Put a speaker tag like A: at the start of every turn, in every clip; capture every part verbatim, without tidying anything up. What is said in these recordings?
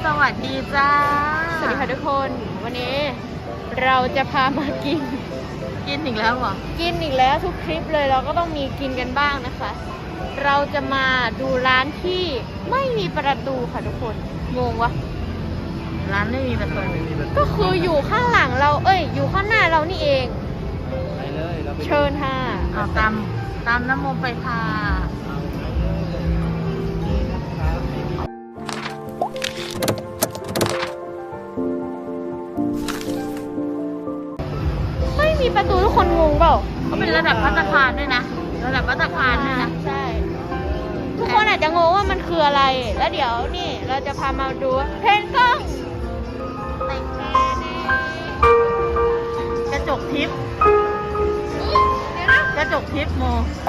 A: สวัสดีจ้า
B: สวัสดีค่ะทุกคนวันนี้เราจะพามากิน
A: กินอีกแล้วเหรอ
B: กินอีกแล้วทุกคลิปเลยเราก็ต้องมีกินกันบ้างนะคะ เราจะมาดูร้านที่ไม่มีประตูค่ะทุกคนงงวะ
A: ร้านไม่มีประตู
B: ก็คืออยู่ข้างหลังเราเอ้ยอยู่ข้างหน้าเรานี่เอง
C: ไปเลยเราไป
B: เชิญค่ะ
A: เอาตามตามน้ำโมไปค่ะ
B: ไม่มีประตูทุกคนงงเปล่า
A: เขาเป็นระดับภัตตาคารด้วยนะระดับภัตตาคารด้วยนะ
B: ใช่ทุกคนอาจจะงงว่ามันคืออะไรแล้วเดี๋ยวนี่เราจะพามาดูเพนกล้อง
A: กระจกทิพย์กระจกทิพย์โม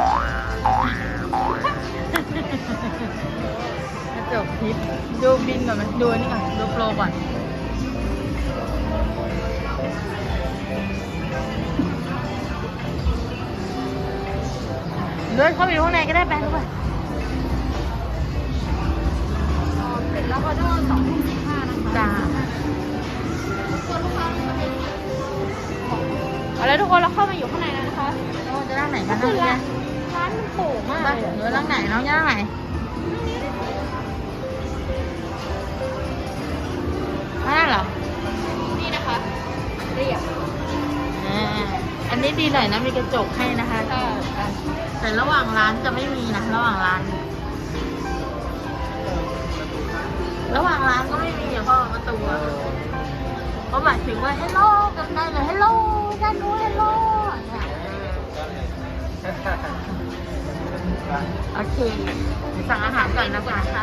A: กระจกทิพย์ดูบินก่อนไหมดูนี่ก่อนดูโปรก่อนเดินเข้าไปดูข้างในก็ได้แปลรู้ป่ะเสร็จแล้วก็ต้องสองทุ่มสิบห้านะคะจ้า
B: เอาแล้วทุกคนเราเข้ามาอยู่ข้างในแล้วนะคะ
A: เราจะนั่งไหน
B: ก็
A: กัน
B: คือ
A: นะ
B: ร้านร้านมันโป่งมาก
A: ไป
B: เลย
A: เดี๋ยวนั่งไหนน้องย่านั่งไหนนั่นเหรอ
B: นี่นะคะเรียบ
A: อ่าอันนี้ดีหน่อยนะมีกระจกให้นะคะ
B: ใช่
A: แต่ระหว่างร้านจะไม่มีนะระหว่างร้าน ระหว่างร้านก็ไม่มีเพราะประตูอะเขาหมายถึงว่า hello กันได้เลย hello ด้านนู้น hello เนี่ยโอเคสั่งอาหารก่อนนะก่อนนะคะ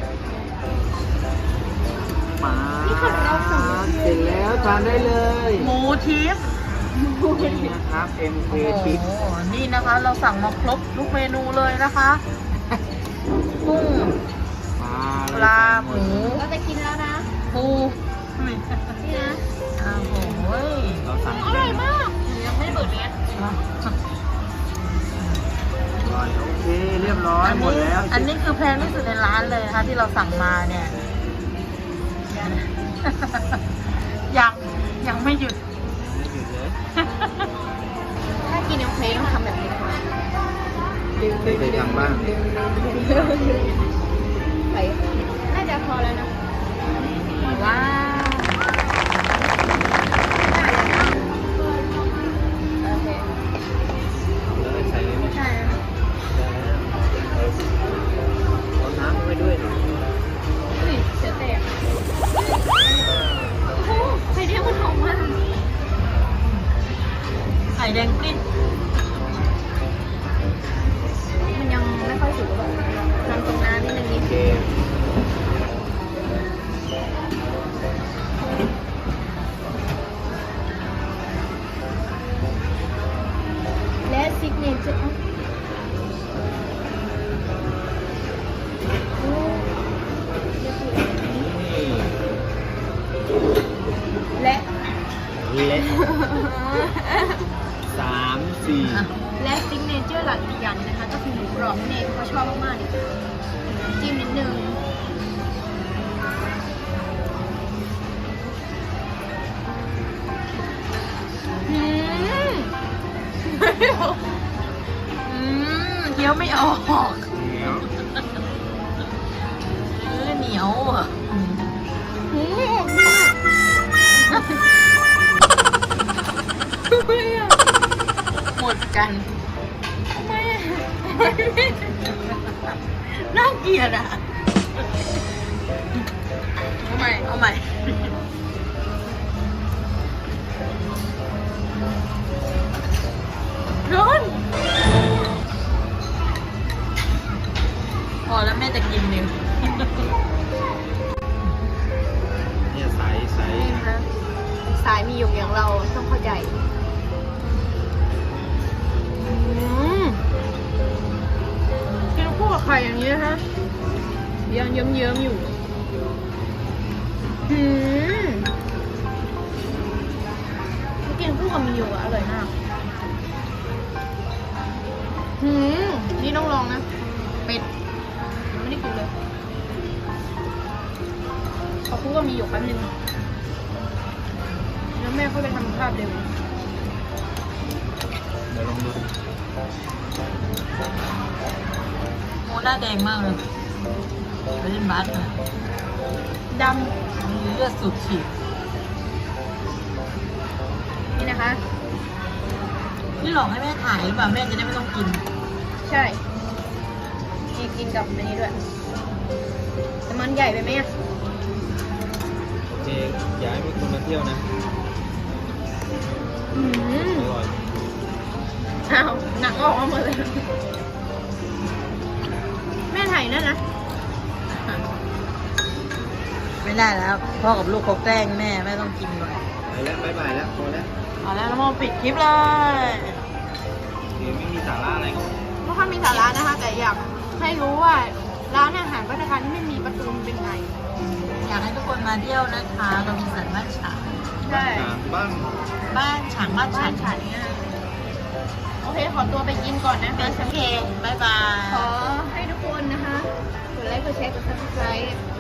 C: มา
B: นี่ค่ะเราสั่ง
C: เสร็จแล้วทานได้เลย
A: หมูทิพย์
C: นี่นะครับ เอ็ม เค
A: โอ้โห
C: ทิป
A: นี่นะคะ เราสั่งมาครบทุกเมนูเลยนะคะกุ้ง
C: มา
A: ปลาหมู
B: เราจะกินแล้วนะ
A: ปู
B: นี่นะ
A: โอ้โห
C: เราสั่ง
B: อร่อยมากยังไม่เปิดเลย
C: อร่อยโอเค เรียบร้อย
A: อัน
C: หม
A: นี้
C: ดแล้ว
A: อันนี้คือแพงที่สุดในร้านเลยนะคะที่เราสั่งมาเนี่ย ยังยังไม่หยุด
C: ไม่หยุดเลย
B: ถ้ากินยังเพลต้องทำแบบนี้ค่ะ
C: เคยเคยทำบ้าง
B: ไปน่าจะพอแล้วนะ
A: ว้าวโอเค
C: แล้วก็ใส่เลยไหม
A: ใช่
C: เอาน้ำไปด้วยหน่อย
B: นี่เสียแตกโอ้โหไข่เดียวมันหอมมาก
A: ไข่แดงกลิ้น
B: มันยังไม่ค่อยสุกหรอกทำตรงน้ำนิดนึงนิ
C: โอ
B: ด
C: เค
B: และซิกเนเจอร์โอ้
C: นี่
B: และ
C: เละสามสี่
B: และซิกเนเจอร์หลักอีกอย่างนะคะ ก็คือหมูกรอบนั่นเองเขาชอบมากๆเลยจิ้มนิดนึงอืม
A: อืมเคี้ยวไม่ออก
C: เหนียว
A: เออเหนียวอ่ะอืม
B: อืมอร่อยมาก
A: หมดกัน
B: ทำไมอ่ะ
A: น่าเกลียดอ่ะ เอาใหม่ เอาใหม่ ร้อนพอแล้วแม่จะกินหนึ่ง
C: เนี่ยใสใส
B: นี่นะคะสายมีหยกอย่างเราต้องเข้าใจอืมกินคู่กับไข่อย่างนี้นะคะยังเยิ้มๆอยู่อืมกินคู่กับมีหยกอะอร่อยมากอืมนี่ต้องลองนะเป็ดยังไม่ได้กินเลย ขอบคุณกูก็มีอยู่แป๊บนึงแล้วแม่เขาไปทำภาพเร็ว
C: เดี๋ยวลองดู
A: โมหน้าแดงมากเลยไปเล่นบาสมา
B: ด
A: มีเลือดสูบฉีด
B: ำนี่นะคะ
A: นี่หลอกให้แม่ถ่ายหรือเปล่าแม่จะได้ไม่ต้องกิน
B: ใช่มีกินกับอันนี้ด้วยแต่มันใหญ่ไปไหมอ่ะ
C: โอเคอยากให้มีคนมาเที่ยวนะ
B: อืม
C: อร่อย
B: อ้าวหนังออกมาหมดเลย แม่ถ่ายนั่นนะ
A: ไม่ได้แล้ว พ่อกับลูกเขาแกล้งแม่แม่ต้องกินก่อน
C: ไปแล้วบายบายแล้วพอแล้ว
A: เอาแล้วน้องโมปิดคลิปเลย
C: เดี๋ยวไม่มีสาระอะไรก็
B: ไม่ค่อยมีสาระนะคะ แต่อยากให้รู้ว่าร้านอาหารพัฒนาการที่ไม่มีประตูมันเป็นไง
A: อยากให้ทุกคนมาเที่ยวนะคะเรามีสันบ้านฉาง
B: ใช่
C: บ้าง
A: บ้านฉางบ้าน
B: บ้า
A: ฉาน ง
B: ฉันเนี่ยโอเค ขอตัวไปกินก่อนนะคะ
A: โอเคบายบาย
B: ขอให้ทุกคนนะคะ กดไลค์ กดแชร์ กด ซับสไครบ์